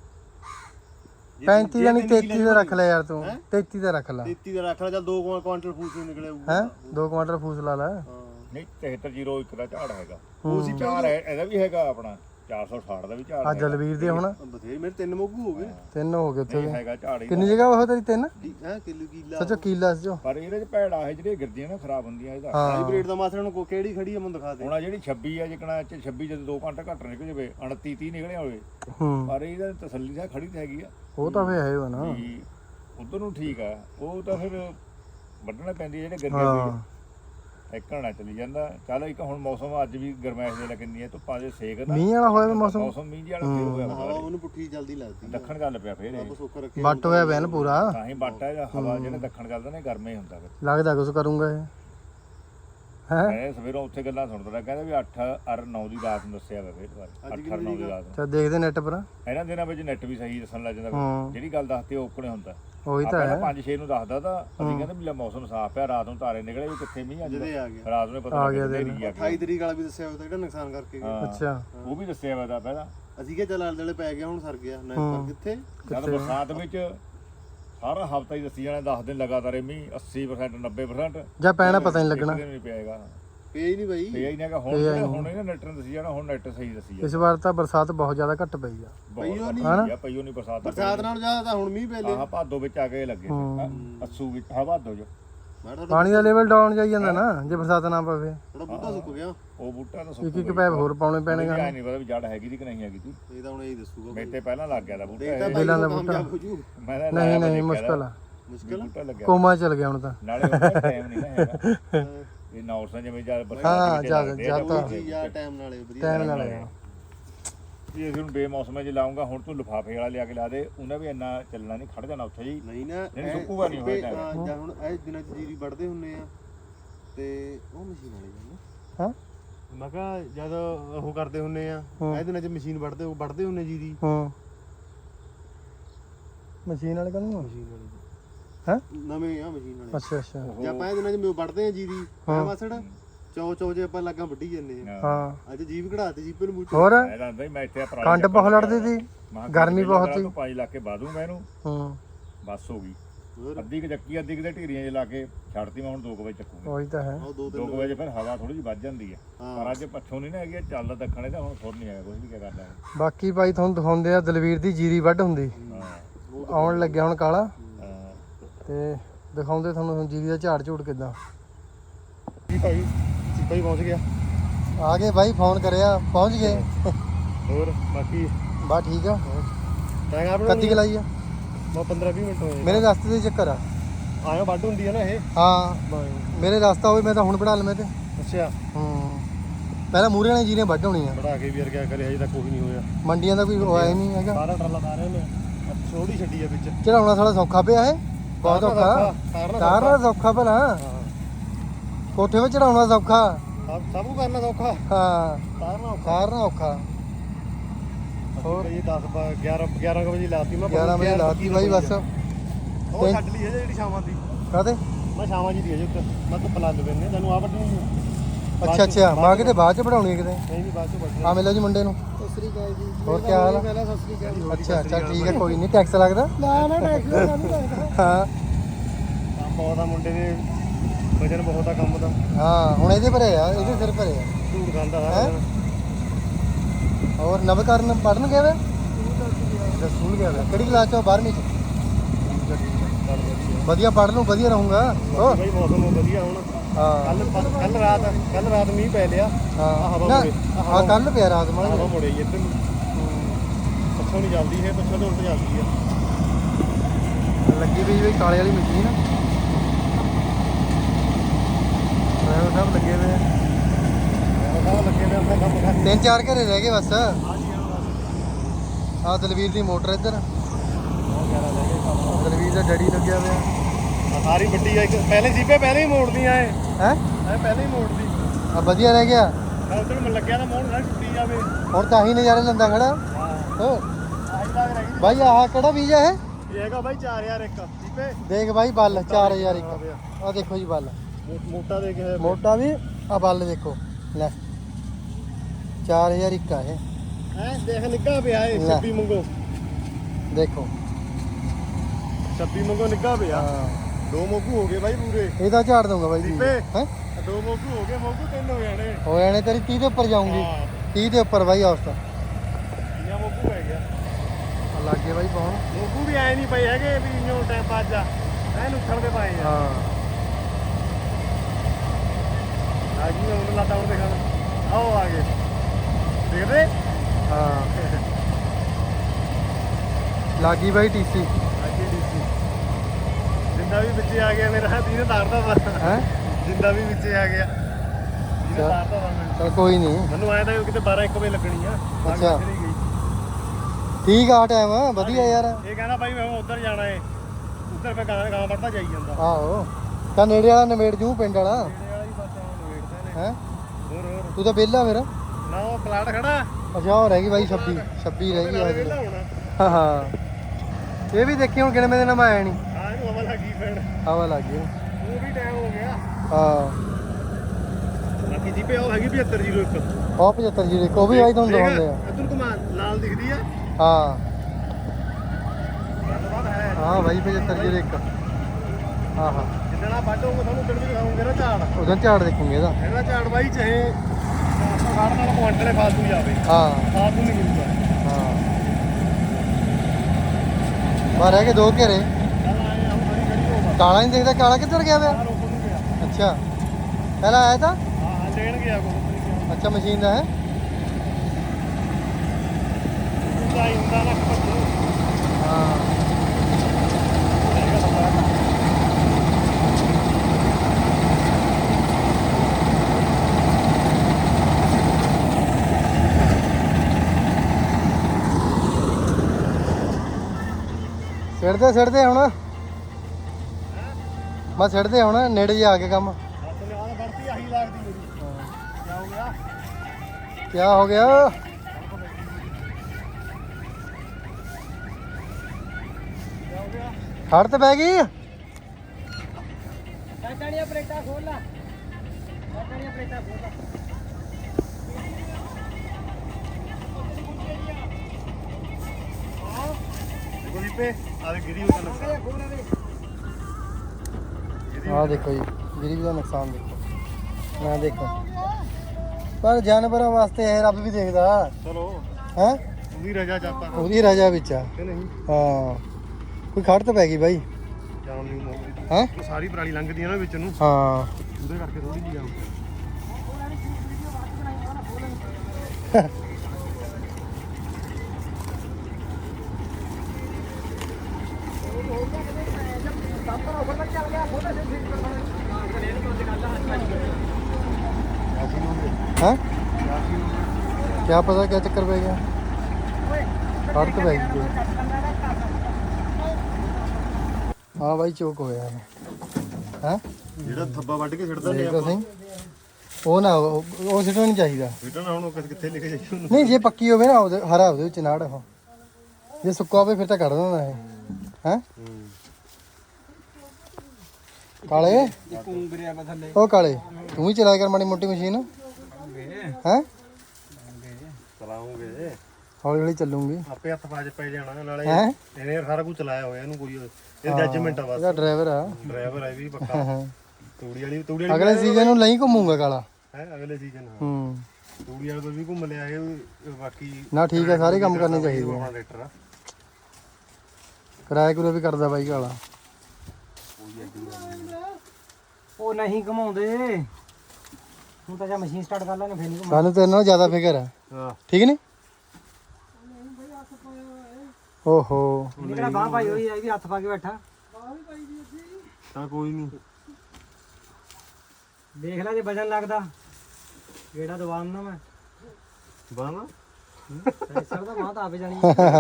Speaker 1: ਪੈਂਤੀ ਦਾ ਨਹੀਂ ਤੇਤੀ ਦਾ ਰੱਖ ਲੈ ਯਾਰ ਤੂੰ। ਤੇਤੀ ਦਾ ਰੱਖ ਲੈ।
Speaker 5: ਤੇਤੀ ਦਾ ਰੱਖ ਲੈ ਚੱਲ ਦੋ ਕੁਇੰਟਲ ਫੂਸ ਨਹੀਂ ਨਿਕਲੇ
Speaker 1: ਹੈ ਦੋ ਕੁਆਂਟਲ ਫੂਸ ਲਾ ਲੈ।
Speaker 5: ਹਾਂ
Speaker 4: ਨਹੀਂ ਤੇਹੱਤਰ ਜ਼ੀਰੋ ਇੱਕ ਦਾ ਝਾੜ ਹੈਗਾ ਉਹ ਸੀ ਝਾੜ ਹੈ ਇਹਦਾ ਵੀ ਹੈਗਾ ਆਪਣਾ ਚਾਰ ਸੌ ਅਠਾਹਠ ਦਾ ਵੀ ਝਾੜ
Speaker 1: ਆ ਜਲਵੀਰ ਦੇ ਹੁਣ
Speaker 5: ਬਥੇਰੇ ਮੇਰੇ ਤਿੰਨ ਮੋਗੂ ਹੋ ਗਏ
Speaker 1: ਤਿੰਨ ਹੋ ਗਏ ਉੱਥੇ
Speaker 4: ਨਹੀਂ ਹੈਗਾ ਝਾੜ ਹੀ
Speaker 1: ਕਿੰਨੀ ਜਗ੍ਹਾ ਉਹ ਤੇਰੀ ਤਿੰਨ?
Speaker 5: ਹੈ ਕਿਲੋ ਕੀਲਾ
Speaker 1: ਸੱਚੋ ਕੀਲਾ ਸੱਚੋ।
Speaker 4: ਪਰ ਇਹਦੇ ਚ ਭੈੜਾ ਹੈ ਜਿਹੜੇ ਗਿਰਦੀਆਂ ਨਾ ਖਰਾਬ ਹੁੰਦੀਆਂ ਇਹਦਾ
Speaker 1: ਹਾਂ
Speaker 5: ਹਾਈਬ੍ਰਿਡ ਦਾ ਮਾਸੜ ਨੂੰ ਕੋ ਕਿਹੜੀ ਖੜੀ ਆ ਮੈਨੂੰ ਦਿਖਾ ਦੇ
Speaker 4: ਹੁਣ ਆ ਜਿਹੜੀ ਛੱਬੀ ਆ ਜਿਕਣਾ ਚ ਛੱਬੀ ਜਦੋਂ ਦੋ ਘੰਟੇ ਘੱਟ ਨਿਕਲ ਜਾਵੇ ਉਨੱਤੀ ਤੀਹ ਨਿਕਲਿਆ ਹੋਵੇ
Speaker 1: ਹੂੰ
Speaker 4: ਪਰ ਇਹਦਾ ਤਸੱਲੀ ਦਾ ਖੜੀ ਤੇ ਹੈਗੀ ਆ
Speaker 1: ਉਹ ਤਾਂ ਫੇ ਹੈ ਉਹ ਨਾ।
Speaker 4: ਵੀ ਉਧਰ ਨੂੰ ਠੀਕ ਆ ਉਹ ਤਾਂ ਫਿਰ ਵੱਢਣਾ ਪੈਂਦੀ ਜਿਹੜੇ ਗੰਦੇ
Speaker 1: ਹਾਂ
Speaker 4: ਬੀਜ ਇੱਕਣਾ ਚਲੀ ਜਾਂਦਾ ਚੱਲ ਇੱਕ ਹੁਣ ਮੌਸਮ ਅੱਜ ਵੀ ਗਰਮੈਸ਼ ਦੇ ਲੱਗਣੀ ਹੈ ਧੁੱਪਾਂ ਦੇ ਸੇਕ ਨਾ
Speaker 1: ਮੀਂਹ ਵਾਲਾ ਹੋਇਆ ਵਾ ਮੌਸਮ।
Speaker 4: ਮੌਸਮ ਮੀਂਹ ਜਿਹਾ ਫੇਰ ਹੋਇਆ
Speaker 5: ਹਵਾ
Speaker 4: ਵਾ
Speaker 5: ਉਹਨੂੰ ਪੁੱਠੀ ਜਲਦੀ ਲੱਗਦੀ
Speaker 4: ਦੱਖਣ ਗੱਲ ਪਿਆ ਫੇਰ ਇਹ
Speaker 5: ਆਪ ਸੁੱਕ ਰੱਖੇ
Speaker 1: ਵੱਟ ਹੋਇਆ ਬੈਨ ਪੂਰਾ।
Speaker 4: ਤਾਂ ਹੀ ਬੱਟ ਹੈ ਜਾਂ ਹਵਾ ਜਿਹੜੇ ਦੱਖਣ ਗੱਲ ਦਾ ਨੇ ਗਰਮੇ ਹੀ ਹੁੰਦਾ ਫਿਰ
Speaker 1: ਲੱਗਦਾ ਕੁਝ ਕਰੂੰਗਾ ਇਹ ਹੈ।
Speaker 4: ਮੈਂ ਸਵੇਰੋਂ ਉੱਥੇ ਗੱਲਾਂ ਸੁਣਦਾ ਰਿਹਾ ਕਹਿੰਦਾ ਵੀ ਅੱਠ ਅਰ ਨੌ ਦੀ ਰਾਤ ਨੂੰ ਦੱਸਿਆ ਵਾ ਫੇਰ ਦੁਬਾਰਾ ਅੱਠ ਅਰ ਨੌ ਦੀ ਰਾਤ ਨੂੰ
Speaker 1: ਚੱਲ ਦੇਖਦੇ ਨੈਟ ਪਰ।
Speaker 4: ਇਹਨਾਂ ਦਿਨਾਂ ਵਿੱਚ ਨੈਟ ਵੀ ਸਹੀ ਦੱਸਣ ਲੱਗ ਜਾਂਦਾ
Speaker 1: ਹਾਂ।
Speaker 4: ਫਿਰ। ਜਿਹੜੀ ਗੱਲ ਦੱਸਦੀ ਉਹ ਔਕਣੇ ਹੁੰਦਾ
Speaker 1: ਉਹੀ ਤਾਂ ਹੈ।
Speaker 4: ਪੰਜ ਛੇ ਨੂੰ ਦੱਸਦਾ ਤਾਂ ਅਸੀਂ ਕਹਿੰਦੇ ਵੀ ਲੈ ਮੌਸਮ ਸਾਫ਼ ਆ ਰਾਤ ਨੂੰ ਤਾਰੇ ਨਿਕਲੇ ਵੀ ਕਿੱਥੇ ਮੀਂਹ ਅੱਜ
Speaker 5: ਜਦੇ ਆ ਗਿਆ
Speaker 4: ਰਾਤ ਨੂੰ ਪਤਾ ਲੱਗਿਆ ਤੇਰੀ ਆ
Speaker 5: ਅਠਾਈ ਤਰੀਕ ਵਾਲਾ ਵੀ ਦੱਸਿਆ ਹੋਇਆ ਤਾਂ ਜਿਹੜਾ ਨੁਕਸਾਨ ਕਰਕੇ ਗਿਆ
Speaker 1: ਅੱਛਾ
Speaker 4: ਉਹ ਵੀ ਦੱਸਿਆ ਵਾ ਤਾਂ ਪਹਿਲਾਂ
Speaker 5: ਅਸੀਂ ਕਿਹਾ ਚੱਲ ਆਲੇ ਦੁਆਲੇ ਪੈ ਗਿਆ ਹੁਣ ਸਰ ਗਿਆ ਨਾ ਪਰ ਕਿੱਥੇ
Speaker 4: ਜਦ ਬਰਸਾਤ ਵਿੱਚ ਸਾਰਾ ਹਫਤਾ ਹੀ ਦੱਸੀ ਜਾਣਾ ਦਸ ਦਿਨ ਲਗਾਤਾਰ ਇਹ ਮੀਂਹ ਅੱਸੀ ਪਰਸੈਂਟ ਨੱਬੇ ਪਰਸੈਂਟ
Speaker 1: ਜਾਂ ਪੈਣਾ ਪਤਾ ਨਹੀਂ ਲੱਗਣਾ।
Speaker 4: ਨਹੀਂ ਪਿਆਏਗਾ
Speaker 5: ਪਿਆ ਹੀ ਨਹੀਂ ਬਾਈ
Speaker 4: ਪਿਆ ਹੀ ਨਹੀਂ ਹੈਗਾ ਹੁਣ ਜਿਹੜਾ ਹੁਣ ਇਹਨੇ ਨੈਟ ਨੂੰ ਦੱਸੀ ਜਾਣਾ ਹੁਣ ਨੈਟ ਸਹੀ ਦੱਸੀ
Speaker 1: ਇਸ ਵਾਰ ਤਾਂ ਬਰਸਾਤ ਬਹੁਤ ਜ਼ਿਆਦਾ ਘੱਟ ਪਈ ਆ।
Speaker 4: ਪਈਓ ਨਹੀਂ ਪਈਓ ਨਹੀਂ ਬਰਸਾਤ
Speaker 5: ਬਰਸਾਤ ਨਾਲ ਜ਼ਿਆਦਾ ਤਾਂ ਹੁਣ ਮੀਂਹ ਪਹਿਲੇ
Speaker 4: ਆਹ ਭਾਦੋ ਵਿੱਚ ਆ ਕੇ ਲੱਗੇ ਅੱਸੂ ਵਿੱਚ ਹਾਂ ਭਾਦੋ ਜੋ
Speaker 5: ਮੈਂ ਥੋੜਾ
Speaker 1: ਪਾਣੀ ਦਾ ਲੈਵਲ ਡਾਊਨ ਜਾਈ ਜਾਂਦਾ ਨਾ ਜੇ ਬਰਸਾਤ ਨਾ ਪਵੇ।
Speaker 5: ਥੋੜਾ ਬੂਟਾ ਸੁੱਕ ਗਿਆ
Speaker 4: ਉਹ ਬੂਟਾ ਤਾਂ
Speaker 1: ਇੱਕ ਇੱਕ ਪੈਪ ਹੋਰ ਪਾਉਣੇ ਪੈਣੇ ਗਾ।
Speaker 4: ਨਹੀਂ ਪਤਾ ਵੀ ਜੜ ਹੈਗੀ ਦੀ ਕਿ ਨਹੀਂ ਹੈਗੀ ਤੀ
Speaker 5: ਇਹ ਤਾਂ ਹੁਣ ਇਹ ਦੱਸੂਗਾ
Speaker 4: ਮੇਰੇ ਤੇ ਪਹਿਲਾਂ ਲੱਗ ਗਿਆ ਦਾ ਬੂਟਾ
Speaker 5: ਦੇਖਦਾ
Speaker 4: ਇਹ।
Speaker 5: ਬਾਈ
Speaker 1: ਦਾ
Speaker 5: ਨੂੰ ਕਾਮਯਾਬ ਹੋ ਜੂ
Speaker 4: ਮੈਂ ਤਾਂ
Speaker 1: ਨਹੀਂ
Speaker 4: ਲਾਇਆ
Speaker 1: ਨਹੀਂ
Speaker 4: ਵਾ
Speaker 1: ਮੁਸ਼ਕਲ ਆ।
Speaker 5: ਮੁਸ਼ਕਿਲ
Speaker 4: ਬੂਟਾ ਲੱਗਿਆ
Speaker 1: ਕੋਮਾ ਚਲ ਗਿਆ ਹੁਣ ਤਾਂ।
Speaker 4: ਨਾਲੇ ਉਹਦਾ ਟਾਈਮ ਨਹੀਂ ਨਾ ਹੈਗਾ ਇਹ ਨੌਰਸਾਂ ਜਿਵੇਂ ਜਦ
Speaker 1: ਹਾਂ,
Speaker 4: ਬਰਸਾਤ ਵਿੱਚ
Speaker 1: ਜਦ-
Speaker 4: ਲੱਗਦੇ ਆ,
Speaker 1: ਜਦ ਤਾਂ-
Speaker 5: ਜੀ ਯਾਰ ਟਾਈਮ ਨਾਲੇ ਵਧੀਆ
Speaker 1: ਟਾਈਮ ਨਾਲ ਆ।
Speaker 4: ਇਹ ਅਸੀਂ ਹੁਣ ਬੇਮੌਸਮੇ ਚ ਲਾਉਂਗਾ ਹੁਣ ਤੂੰ ਲਿਫਾਫੇ ਵਾਲਾ ਲਿਆ ਕੇ ਲਾ ਦੇ ਉਹਨਾਂ ਵੀ ਇੰਨਾ ਚੱਲਣਾ ਨਹੀਂ ਖੜ ਜਾਣਾ ਉੱਥੇ ਜੀ
Speaker 5: ਨਹੀਂ ਨਾ
Speaker 4: ਨਹੀਂ, ਸੁੱਕੂਗਾ ਨਹੀਂ ਹੋਇਆ
Speaker 5: ਹਾਂ, ਜਾਂ ਹੁਣ ਇਹ ਦਿਨਾਂ ਚ ਜੀਰੀ ਵੱਢਦੇ ਹੁੰਨੇ ਆ ਤੇ ਉਹ ਮਸ਼ੀਨ ਵਾਲੇ ਜਾਂਦੇ
Speaker 1: ਹਾਂ
Speaker 5: ਮੈਂ ਕਿਹਾ ਜਦ ਉਹ ਕਰਦੇ ਹੁੰਨੇ ਆ ਇਹ ਦਿਨਾਂ ਚ ਮਸ਼ੀਨ ਵੱਢਦੇ ਉਹ ਵੱਢਦੇ ਹੁੰਨੇ ਜੀਰੀ
Speaker 1: ਹਾਂ ਮਸ਼ੀਨ ਵਾਲੇ ਕਾਹਨੂੰ ਆ?
Speaker 5: ਮਸ਼ੀਨ ਵਾਲੇ
Speaker 1: ਹੈਂ?
Speaker 5: ਨਵੇਂ ਆ ਮਸ਼ੀਨ ਵਾਲੇ
Speaker 1: ਅੱਛਾ ਅੱਛਾ
Speaker 5: ਜਾਂ ਆਪਾਂ ਇਹ ਦਿਨਾਂ ਚ ਵੱਢਦੇ ਆ ਜੀਰੀ ਮੈਂ ਮਾਸੜ ਚੌ ਚੌ ਜੇ ਆਪਾਂ ਲੱਗਾ ਵੱਢੀ ਜਾਂਦੇ ਆ
Speaker 1: ਹਾਂ
Speaker 5: ਅੱਜ ਜੀਵ ਕਢਾਤੀ ਜੀਪੇ ਨੂੰ ਬੂਟੇ
Speaker 1: ਹੋਰ
Speaker 4: ਮੈਂ ਤਾਂ ਮੈਂ ਇੱਥੇ ਪਰਾਲੀ
Speaker 1: ਕੰਡ ਬਹੁਤ ਲੜਦੀ ਸੀ ਗਰਮੀ ਬਹੁਤ ਸੀ।
Speaker 4: ਤੂੰ ਪਾਈ ਲਾ ਕੇ ਬਾਦੂ ਮੈਂ ਇਹਨੂੰ
Speaker 1: ਹੂੰ
Speaker 4: ਬਸ ਹੋ ਗਈ
Speaker 5: ਹੋਰ
Speaker 4: ਅੱਧੀ ਕੁ ਚੱਕੀ ਅੱਧੀ ਕੁ ਦੇ ਢੀਰੀਆਂ ਜੇ ਲਾ ਕੇ ਛੱਡਤੀ ਮੈਂ ਹੁਣ ਦੋ ਕੁ ਵਜੇ ਚੱਕੂਗਾ
Speaker 1: ਉਹੀ ਤਾਂ ਹੈ।
Speaker 5: ਉਹ ਦੋ
Speaker 4: ਦੋ
Speaker 5: ਤਿੰਨ
Speaker 4: ਕੁ ਵਜੇ ਫਿਰ ਹਵਾ ਥੋੜੀ ਜਿਹੀ ਵੱਜ ਜਾਂਦੀ ਹੈ
Speaker 5: ਹਾਂ।
Speaker 4: ਪਰ ਅੱਜ ਪੱਛੋਂ ਨਹੀਂ ਨਾ ਹੈਗੀ ਚੱਲਦਾ ਦੱਖਣੇ ਤਾਂ ਹੁਣ ਖੁਰ ਨਹੀਂ ਹੈਗਾ ਕੁਝ ਵੀ ਕਿਆ ਕਰਦਾ ਹੈ।
Speaker 1: ਬਾਕੀ ਭਾਈ ਤੁਹਾਨੂੰ ਦਿਖਾਉਂਦੇ ਆ ਦਲਵੀਰ ਦੀ ਜੀਰੀ ਵੱਢ ਹੁੰਦੀ
Speaker 4: ਹਾਂ
Speaker 1: ਆਉਣ ਲੱਗਿਆ ਹੁਣ ਕਾਲਾ
Speaker 4: ਹਾਂ
Speaker 1: ਤੇ ਦਿਖਾਉਂਦੇ ਤੁਹਾਨੂੰ ਹੁਣ ਜੀਰੀ ਦਾ ਝਾੜ ਝੂੜ ਕਿਦਾਂ।
Speaker 5: ਜੀ ਭਾਈ ਭਾਈ ਪਹੁੰਚ ਗਿਆ
Speaker 1: ਆ ਗਏ ਭਾਈ ਫੋਨ ਕਰਿਆ ਪਹੁੰਚ ਗਏ।
Speaker 5: ਹੋਰ ਬਾਕੀ
Speaker 1: ਬਾ ਠੀਕ ਆ
Speaker 5: ਟਾਈਮ ਆਪਣਾ
Speaker 1: ਕੱਤੀ ਕਲਾਈ ਆ
Speaker 5: ਮੈਂ ਪੰਦਰਾਂ ਵੀਹ ਮਿੰਟ ਹੋਏ
Speaker 1: ਮੇਰੇ ਰਸਤੇ ਦੇ ਚੱਕਰ ਆ।
Speaker 5: ਆਇਆ ਵੱਢ ਹੁੰਦੀ ਆ ਨਾ ਇਹ
Speaker 1: ਹਾਂ ਮੇਰੇ ਰਸਤਾ ਹੋਵੇ ਮੈਂ ਤਾਂ ਹੁਣ ਬਣਾ ਲਵੇਂ ਤੇ
Speaker 5: ਅੱਛਾ
Speaker 1: ਹੂੰ ਪਹਿਲਾਂ ਮੂਰੇ ਵਾਲੀ ਜੀਰੀਆਂ ਵੱਢ ਹੋਣੀ ਆ
Speaker 5: ਬੜਾ ਕੇ ਵੀਰ ਕਿਆ ਕਰੇ ਹਜੇ ਤੱਕ ਕੋਈ ਨਹੀਂ ਹੋਇਆ
Speaker 1: ਮੰਡੀਆਂ ਦਾ ਕੋਈ ਹੋਇਆ ਹੀ ਨਹੀਂ ਹੈਗਾ।
Speaker 5: ਸਾਰਾ ਟਰਾਲਾ ਤਾਰਿਆ ਨੇ ਛੋੜੀ ਛੱਡੀ ਆ ਵਿੱਚ
Speaker 1: ਚੜਾਉਣਾ ਸਾਲਾ ਸੌਖਾ ਪਿਆ ਇਹ ਬਹੁਤ ਔਖਾ
Speaker 5: ਤਾਰਨਾ
Speaker 1: ਤਾਰਨਾ ਸੌਖਾ ਭਲਾ
Speaker 5: ਹਾਂ
Speaker 1: ਕੋਠੇ ਵਿੱਚ ਚੜਾਉਣਾ ਸੌਖਾ
Speaker 5: ਸਭ ਸਭ ਨੂੰ ਕਰਨਾ ਸੌਖਾ
Speaker 1: ਹਾਂ
Speaker 5: ਤਾਰਨਾ ਔਖਾ
Speaker 1: ਤਾਰਨਾ ਔਖਾ।
Speaker 5: ਹੋਰ ਇਹ ਦਸ ਗਿਆਰਾਂ ਗਿਆਰਾਂ ਕੁ ਵਜੇ ਲਾਤੀ ਮੈਂ
Speaker 1: ਗਿਆਰਾਂ ਵਜੇ ਲਾਤੀ ਬਾਈ ਬਸ।
Speaker 5: ਉਹ ਛੱਡ ਲਈ ਹੈ ਜਿਹੜੀ ਸ਼ਾਮਾਂ ਦੀ
Speaker 1: ਕਾਹਦੇ
Speaker 5: ਮੈਂ ਸ਼ਾਮਾਂ ਜੀ ਦੀ ਹੈ ਜੀ ਉੱਤੇ ਮੈਂ ਧੁੱਪ ਲਾ ਲਵੇ ਨੇ ਤੈਨੂੰ ਆ ਵੱਢਣੀ
Speaker 1: ਅੱਛਾ ਅੱਛਾ ਮੈਂ ਕਿਤੇ ਬਾਅਦ ਚ ਪੜਾਉਣੀ ਹੈ ਕਿਤੇ।
Speaker 5: ਨਹੀਂ ਨਹੀਂ ਬਾਅਦ ਚ ਵੱਢਣੀ
Speaker 1: ਆ ਮਿਲੋ ਜੀ ਮੁੰਡੇ ਨੂੰ।
Speaker 5: ਸਤਿ ਸ੍ਰੀ ਅਕਾਲ ਜੀ
Speaker 1: ਹੋਰ ਕੀ ਹਾਲ ਆ?
Speaker 5: ਪਹਿਲਾਂ ਸਤਿ ਸ੍ਰੀ ਅਕਾਲ
Speaker 1: ਅੱਛਾ ਅੱਛਾ ਠੀਕ ਹੈ ਕੋਈ ਨਹੀਂ ਟੈਕਸ ਲੱਗਦਾ
Speaker 5: ਨਾ ਨਾ ਟੈਕਸ ਨਹੀਂ ਲੱਗਦਾ
Speaker 1: ਹਾਂ
Speaker 5: ਕੰਮ ਬਹੁਤ ਆ ਮੁੰਡੇ ਦੇ ਵਜਨ ਬਹੁਤ ਆ ਕੰਮ ਦਾ
Speaker 1: ਹਾਂ ਹੁਣ ਇਹਦੇ ਭਰੇ ਆ ਇਹਦੇ ਸਿਰ ਭਰੇ ਆ
Speaker 5: ਝੂੜ ਖਾਂਦਾ ਸਾਰਾ ਦਿਨ।
Speaker 1: ਹੋਰ ਨਵਕਰਨ ਪੜਨ ਗਿਆ ਵੇ ਅੱਛਾ ਸਕੂਲ ਗਿਆ ਵੇ ਕਿਹੜੀ ਕਲਾਸ ਚ ਬਾਰਵੀਂ ਚ ਵਧੀਆ ਪੜ ਲੂੰ ਵਧੀਆ ਰਹੂੰਗਾ ਓ
Speaker 5: ਬਾਈ ਮੌਸਮ ਵਧੀਆ ਹੁਣ
Speaker 1: ਹਾਂ
Speaker 5: ਕੱਲ ਕੱਲ ਰਾਤ ਕੱਲ ਰਾਤ ਮੀਂਹ ਪੈ ਲਿਆ
Speaker 1: ਹਾਂ
Speaker 5: ਹਵਾ
Speaker 1: ਨਾ
Speaker 5: ਮੁੜੇ
Speaker 1: ਹਾਂ ਕੱਲ ਪਿਆ ਰਾਤ ਮਾੜਾ
Speaker 5: ਹਵਾ
Speaker 1: ਜਿਹਾ।
Speaker 5: ਮੁੜੇ ਜੀ ਇੱਧਰ ਨੂੰ ਪੱਛੋਂ ਨਹੀਂ ਚੱਲਦੀ ਹੈ ਪੱਛੋਂ ਤੋਂ ਉਲਟ ਚੱਲਦੀ ਆ
Speaker 1: ਲੱਗੀ ਪਈ ਬਈ ਕਾਲੇ ਵਾਲੀ ਮਸ਼ੀਨ ਡਰਾਈਵਰ ਸਾਹਿਬ ਲੱਗੇ ਹੋਏ ਆ।
Speaker 5: ਉਹ ਲੱਗੇ ਨੇ ਆਪਣਾ ਕੰਮ ਕਰ
Speaker 1: ਤਿੰਨ ਚਾਰ ਘਰੇ ਰਹਿ ਗਏ ਬਸ
Speaker 5: ਹਾਂਜੀ ਹਾਂ
Speaker 1: ਆਹ ਦਲਵੀਰ ਦੀ ਮੋਟਰ ਇੱਧਰ
Speaker 5: ਬਹੁਤ ਜ਼ਿਆਦਾ ਲੈ ਗਏ ਕੰਮ
Speaker 1: ਦਲਵੀਰ ਦਾ ਡੈਡੀ ਲੱਗਿਆ ਹੋਇਆ
Speaker 5: ਆ ਸਾਰੀ ਵੱਡੀ ਆ ਇੱਕ ਪਹਿਲੇ ਸੀਪੇ ਪਹਿਲੇ ਹੀ ਮੋੜਦੀਆਂ ਐ
Speaker 1: ਹੈ
Speaker 5: ਐ ਪਹਿਲੇ ਹੀ ਮੋੜਦੀ
Speaker 1: ਆ ਵਧੀਆ ਰਹਿ ਗਿਆ
Speaker 5: ਮੈਂ ਉਧਰ ਮੈਨੂੰ ਲੱਗਿਆ ਤਾਂ ਮੋੜ ਨਾ ਟੁੱਟੀ ਜਾਵੇ
Speaker 1: ਹੁਣ ਤਾਂ ਹੀ ਨਜ਼ਾਰੇ ਲੈਂਦਾ ਖੜਾ
Speaker 5: ਹਾਂ
Speaker 1: ਹੋ
Speaker 5: ਆਹੀ ਤਾਂ ਰਹਿ ਗਈ
Speaker 1: ਬਾਈ ਆਹ ਕਿਹੜਾ ਬੀਜ ਹੈ ਇਹ?
Speaker 5: ਇਹ ਹੈਗਾ ਬਾਈ ਚਾਰ ਹਜ਼ਾਰ ਇੱਕ ਸੀਪੇ
Speaker 1: ਦੇਖ ਬਾਈ ਬੱਲ ਚਾਰ ਹਜ਼ਾਰ ਇੱਕ ਆ ਦੇਖੋ ਜੀ ਬੱਲ
Speaker 5: ਮੋ- ਮੋਟਾ ਦੇ ਕੇ
Speaker 1: ਮੋਟਾ ਵੀ ਆ ਬੱਲ ਦੇਖੋ ਲੈ ਚਾਰ ਹਜ਼ਾਰ ਇੱਕ ਆ ਇਹ
Speaker 5: ਹੈ ਦੇਖ ਨਿੱਗਾ ਪਿਆ ਏ
Speaker 1: ਲੈ।
Speaker 5: ਛੱਬੀ ਮੰਗੋ
Speaker 1: ਦੇਖੋ
Speaker 5: ਛੱਬੀ ਮੰਗੋ ਨਿੱਗਾ ਪਿਆ
Speaker 1: ਹਾਂ
Speaker 5: ਦੋ ਮੋਗੂ ਹੋ ਗਏ ਬਾਈ ਪੂਰੇ
Speaker 1: ਇਹਦਾ ਝਾੜ ਦੂੰਗਾ ਬਾਈ ਜੀ
Speaker 5: ਦੀਪੇ।
Speaker 1: ਹੈ
Speaker 5: ਆ ਦੋ ਮੋਗੂ ਹੋ ਗਏ ਮੋਗੂ ਤਿੰਨ ਹੋ ਜਾਣੇ
Speaker 1: ਹੋ ਜਾਣੇ ਤੇਰੀ ਤੀਹ ਦੇ ਉੱਪਰ ਜਾਊਂਗੀ
Speaker 5: ਹਾਂ
Speaker 1: ਤੀਹ ਦੇ ਉੱਪਰ ਬਾਈ ਔਸਤ
Speaker 5: ਇੰਨਾ ਮੋਗੂ ਪੈ ਗਿਆ
Speaker 1: ਲੱਗੇ ਬਾਈ ਪਾਉਣ
Speaker 5: ਮੋਗੂ ਵੀ ਆਏ ਨਹੀਂ ਪਏ ਹੈਗੇ ਵੀ ਇੰਨੋ ਟਾਈਮ ਬਾਅਦ ਜਾ ਐ ਨੁੱਖਣ ਦੇ ਪਾਏ ਆ
Speaker 1: ਹਾਂ
Speaker 5: ਆ ਜੀ ਹੁਣ ਲਾਤਾ ਹੁਣ ਦੇਖਣ ਆਓ ਆ ਗਏ ਦੇਖਦੇ
Speaker 1: ਹਾਂ ਲੱਗੀ ਬਾਈ ਟੀਸੀ
Speaker 5: ਅੱਗੇ ਡੀਸੀ ਜਿੰਦਾ ਵੀ ਵਿੱਚੇ ਆ ਗਿਆ ਮੇਰਾ ਦੀਨੇ ਤਾਰਦਾ ਵਾ
Speaker 1: ਹੈ
Speaker 5: ਜਿੰਦਾ ਵੀ ਵਿੱਚੇ ਆ ਗਿਆ ਦੀਨੇ
Speaker 1: ਚੱਲ।
Speaker 5: ਤਾਰਦਾ ਵਾ ਮੈਨੂੰ
Speaker 1: ਚਲ ਕੋਈ ਨਹੀਂ
Speaker 5: ਮੈਨੂੰ ਆਇਆ ਤਾਂ ਕਿਤੇ ਬਾਰਾਂ ਇੱਕ ਵਜੇ ਲੱਗਣੀ ਆ ਬਾਅਦ
Speaker 1: ਅੱਛਾ।
Speaker 5: ਚਲੀ ਗਈ
Speaker 1: ਠੀਕ ਆ ਟਾਈਮ ਵਧੀਆ ਯਾਰ
Speaker 5: ਇਹ ਕਹਿੰਦਾ ਬਾਈ ਮੈਂ ਉੱਧਰ ਜਾਣਾ ਏ ਉੱਧਰ ਫੇ ਗਾਂ ਗਾਂ ਵੜਦਾ ਜਾਈ ਜਾਂਦਾ
Speaker 1: ਆਹੋ ਤਾਂ ਨੇੜੇ ਵਾਲਾ ਨਵੇੜ ਜੂ ਪਿੰਡ ਵਾਲਾ
Speaker 5: ਨੇੜੇ ਵਾਲਾ ਹੀ ਪਾਸਾ ਹੁਣ ਵੇਖਦੇ ਨੇ
Speaker 1: ਹੈ
Speaker 5: ਹੋਰ ਹੋਰ
Speaker 1: ਤੂੰ ਤਾਂ ਵਿਹਲਾ ਫਿਰ
Speaker 5: ਨਾ ਉਹ ਪਲਾਟ ਖੜਾ
Speaker 1: ਅੱਛਾ ਉਹ ਰਹਿ ਗਈ ਬਾਈ ਛੱਬੀ ਛੱਬੀ ਰਹਿ ਗਈ
Speaker 5: ਨਾਲੇ
Speaker 1: ਅੱਜ
Speaker 5: ਵਿਹਲਾ ਹੋਣਾ
Speaker 1: ਹਾਂ ਹਾਂ ਇਹ ਵੀ ਦੇਖੀ ਹੁਣ ਕਿੰਨੇ ਦਿਨ ਮੈਂ ਆਇਆ ਨਹੀਂ
Speaker 5: ਹਾਂ ਇਹਨੂੰ ਹਵਾ ਲੱਗੀ ਪੈਣ
Speaker 1: ਹਵਾ ਲੱਗ ਗਈ
Speaker 5: ਉਹ ਵੀ ਟਾਈਮ ਹੋ ਗਿਆ
Speaker 1: ਹਾਂ
Speaker 5: ਬਾਕੀ ਜੀ ਪੇ ਉਹ ਹੈਗੀ ਪਝੱਤਰ ਜ਼ੀਰੋ ਇੱਕ
Speaker 1: ਉਹ ਪਝੱਤਰ ਜੀ ਉਹ ਵੀ ਆਈ ਤੁਹਾਨੂੰ ਦਿਖਾਉਂਦੇ ਆ
Speaker 5: ਅਤੁਲ ਕੁਮਾਰ ਲਾਲ ਦਿਖਦੀ ਆ
Speaker 1: ਹਾਂ
Speaker 5: ਗੱਲਬਾਤ ਹੈ
Speaker 1: ਹਾਂ ਬਾਈ ਪਝੱਤਰ ਜੀ ਇੱਕ ਹਾਂ ਹਾਂ
Speaker 5: ਜਿੱਦਣਾ ਵੱਢੋਗੇ ਤੁਹਾਨੂੰ ਉਦੋਂ ਵੀ ਦਿਖਾਉਂਗੇ ਨਾ ਝਾੜ
Speaker 1: ਉਦੋਂ ਝਾੜ ਦੇਖੂਗੇ ਇਹਦਾ
Speaker 5: ਇਹਦਾ ਝਾੜ ਬਾਈ ਚਾਹੇ ਚਾਰ ਸੌ ਸਾਠ ਨਾਲ ਕੁਆਂਟਲੇ ਫਾਲਤੂ ਜਾਵੇ
Speaker 1: ਹਾਂ
Speaker 5: ਫਾਲਤੂ ਨਹੀਂ ਮਿਲੂਗਾ
Speaker 1: ਹਾਂ ਬਾਹਰ ਰਹਿ ਕੇ ਦੋ ਘੇਰੇ
Speaker 5: ਚੱਲ ਆਏ ਆਉਂ ਸਾਰੀ ਖੜੀ ਹੋ ਬਸ
Speaker 1: ਕਾਲਾ ਨਹੀਂ ਦਿਖਦਾ ਕਾਲਾ ਕਿੱਧਰ ਗਿਆ ਵੇ
Speaker 5: ਆਹ ਰੋਕ ਨੂੰ ਗਿਆ
Speaker 1: ਅੱਛਾ ਪਹਿਲਾਂ ਆਇਆ ਤਾਂ
Speaker 5: ਹਾਂ ਹਾਂ ਲੈਣ ਗਿਆ ਕੋਈ
Speaker 1: ਅੱਛਾ ਮਸ਼ੀਨ ਦਾ ਹੈ
Speaker 5: ਹੁੰਦਾ ਹੀ ਹੁੰਦਾ ਨਾ ਭੱਜੋ
Speaker 1: ਹਾਂ ਸਿੜਦੇ ਸਿੜਦੇ ਹੁਣ ਮੈਂ ਸਿੜਦੇ ਹੁਣ ਨੇੜੇ ਜਾ ਕੇ ਕੰਮ
Speaker 5: ਬਸ ਨੇ ਆਹ ਵਰਤੀ ਆਹੀ ਲੱਗਦੀ ਮੇਰੀ ਕਿਆ ਹੋ ਗਿਆ
Speaker 1: ਕੀ ਹੋ ਗਿਆ
Speaker 5: ਕਿਆ ਹੋ ਗਿਆ
Speaker 1: ਖੜ ਤੇ ਬਹਿ ਗਈ
Speaker 2: ਟਾਟਾਣੀਆਂ ਪਲੇਟਾਂ ਖੋਲ ਲਾ ਟਾਟਾਣੀਆਂ ਪਲੇਟਾਂ ਖੋਲ ਲਾ
Speaker 5: ਦੇਖੋ ਦੀਪੇ ਆਹ ਗਿਰੀ ਹੋਈ ਗੱਲ
Speaker 1: ਆਹ ਦੇਖੋ ਜੀ ਗਰੀਬ ਦਾ ਨੁਕਸਾਨ ਦੇਖੋ ਮੈਂ ਦੇਖੋ ਪਰ ਜਾਨਵਰਾਂ ਵਾਸਤੇ ਇਹ ਰੱਬ ਵੀ ਦੇਖਦਾ
Speaker 5: ਚਲੋ
Speaker 1: ਹੈ
Speaker 5: ਉਹਦੀ ਰਜਾ ਜਾਤਾ
Speaker 1: ਉਹਦੀ ਰਜਾ ਵਿੱਚ ਆ
Speaker 5: ਕਿ ਨਹੀਂ
Speaker 1: ਹਾਂ ਕੋਈ ਖੜ ਤੇ ਪੈ ਗਈ ਬਾਈ
Speaker 5: ਜਾਮ ਨਹੀਂ ਮੋੜੀ
Speaker 1: ਹੈ
Speaker 5: ਉਹ ਸਾਰੀ ਪਰਾਲੀ ਲੰਘਦੀ ਆ ਨਾ ਵਿੱਚ ਨੂੰ
Speaker 1: ਹਾਂ
Speaker 5: ਉਹਦੇ ਕਰਕੇ ਥੋੜੀ ਜਿਹੀ ਜਾਮ
Speaker 1: ਹੈ ਕਿਆ ਪਤਾ ਕਿਆ ਚੱਕਰ ਪੈ ਗਿਆ ਖੜ ਤੇ ਪੈ ਗਈ ਕੋਈ। ਹਾਂ ਬਾਈ ਚੋਕ ਹੋਇਆ ਹੈ
Speaker 5: ਜਿਹੜਾ ਥੱਬਾ ਵੱਢ ਕੇ ਛੱਡਦਾ
Speaker 1: ਦੇਖ ਤਾਂ ਸਹੀ ਉਹ ਨਾ ਉਹ ਉਹ ਸਿੱਟਣਾ ਨਹੀਂ ਚਾਹੀਦਾ
Speaker 5: ਬੇਟਾ ਨਾ ਹੁਣ ਉਹ ਕਿੱਥੇ- ਕਿੱਥੇ ਲੈ ਕੇ ਜਾਈਏ ਉਹਨੂੰ
Speaker 1: ਨਹੀਂ ਜੇ ਪੱਕੀ ਹੋਵੇ ਨਾ ਉਹਦੇ ਹਰਾ ਉਹਦੇ ਵਿੱਚ ਨਾੜ ਉਹ ਜੇ ਸੁੱਕਾ ਹੋਵੇ ਫਿਰ ਤਾਂ ਕੱਢ ਦਿੰਦਾ ਇਹ ਹੈ ਕਾਲੇ
Speaker 2: ਇੱਕ ਉਂਗਰਿਆ ਵਾ ਥੱਲੇ
Speaker 1: ਉਹ ਕਾਲੇ ਤੂੰ ਵੀ ਚਲਾਇਆ ਕਰ ਮਾੜੀ ਮੋਟੀ ਮਸ਼ੀਨ ਹੈ
Speaker 5: ਚਲਾਉਂਗੇ
Speaker 1: ਹੌਲੀ ਹੌਲੀ ਚੱਲੂਗੀ
Speaker 5: ਆਪੇ ਹੱਥ ਪਾਜ ਪੈ ਜਾਣਾ ਨਾਲੇ
Speaker 1: ਹੈਂ?
Speaker 5: ਇਹਨੇ ਸਾਰਾ ਕੁਝ ਚਲਾਇਆ ਹੋਇਆ ਇਹਨੂੰ ਕੋਈ ਇਹ ਜੱਜਮੈਂਟ ਆ ਬਸ
Speaker 1: ਇਹਦਾ ਡਰਾਈਵਰ ਆ
Speaker 5: ਡਰਾਈਵਰ ਹੈ ਵੀ ਪੱਕਾ ਤੂੜੀ ਵਾਲੀ ਤੂੜੀ ਵਾਲੀ
Speaker 1: ਅਗਲੇ ਸੀਜ਼ਨ ਨੂੰ ਲਈ ਘੁੰਮੂਗਾ ਕਾਲਾ
Speaker 5: ਹੈ ਅਗਲੇ ਸੀਜ਼ਨ ਹਾਂ
Speaker 1: ਹੂੰ
Speaker 5: ਤੂੜੀ ਵਾਲੇ ਕੋਲ ਵੀ ਘੁੰਮ ਲਿਆ ਇਹ ਬਾਕੀ
Speaker 1: ਨਾ ਠੀਕ ਹੈ, ਸਾਰੇ ਕੰਮ ਕਰਨੇ ਚਾਹੀਦੇ ਆ।
Speaker 5: ਟਰੈਕਟਰ ਆ
Speaker 1: ਕਿਰਾਏ ਕੁਰੇ ਵੀ ਕਰਦਾ ਬਾਈ ਕਾਲਾ।
Speaker 6: ਉਹ ਨਹੀਂ ਘਮਾਉਂਦੇ ਹੁਣ ਤਾਂ ਜਾਂ ਮਸ਼ੀਨ ਸਟਾਰਟ ਕਰ ਲਾਂਗੇ ਫੇਰ ਨਹੀਂ ਘੁਮਾ
Speaker 1: ਸਾਨੂੰ ਤੇਰੇ ਨਾਲ ਜ਼ਿਆਦਾ ਫਿਕਰ ਹੈ,
Speaker 5: ਹਾਂ
Speaker 1: ਠੀਕ ਨਹੀਂ? ਓਹੋ
Speaker 6: ਨਿਕੜਾ ਬਾਹ ਭਾਈ ਹੋਈ ਆ ਵੀ ਹੱਥ ਪਾ ਕੇ ਬੈਠਾ
Speaker 5: ਤਾਂ ਕੋਈ ਨਹੀਂ
Speaker 6: ਦੇਖ ਲੈ ਜੇ ਵਜਨ ਲੱਗਦਾ ਕਿਹੜਾ ਦਵਾਨ ਨਾ ਮੈਂ
Speaker 5: ਬਾਣਾ
Speaker 6: ਸਰ ਦਾ ਬਾਹ ਤਾਂ ਆਪੇ ਜਾਣੀ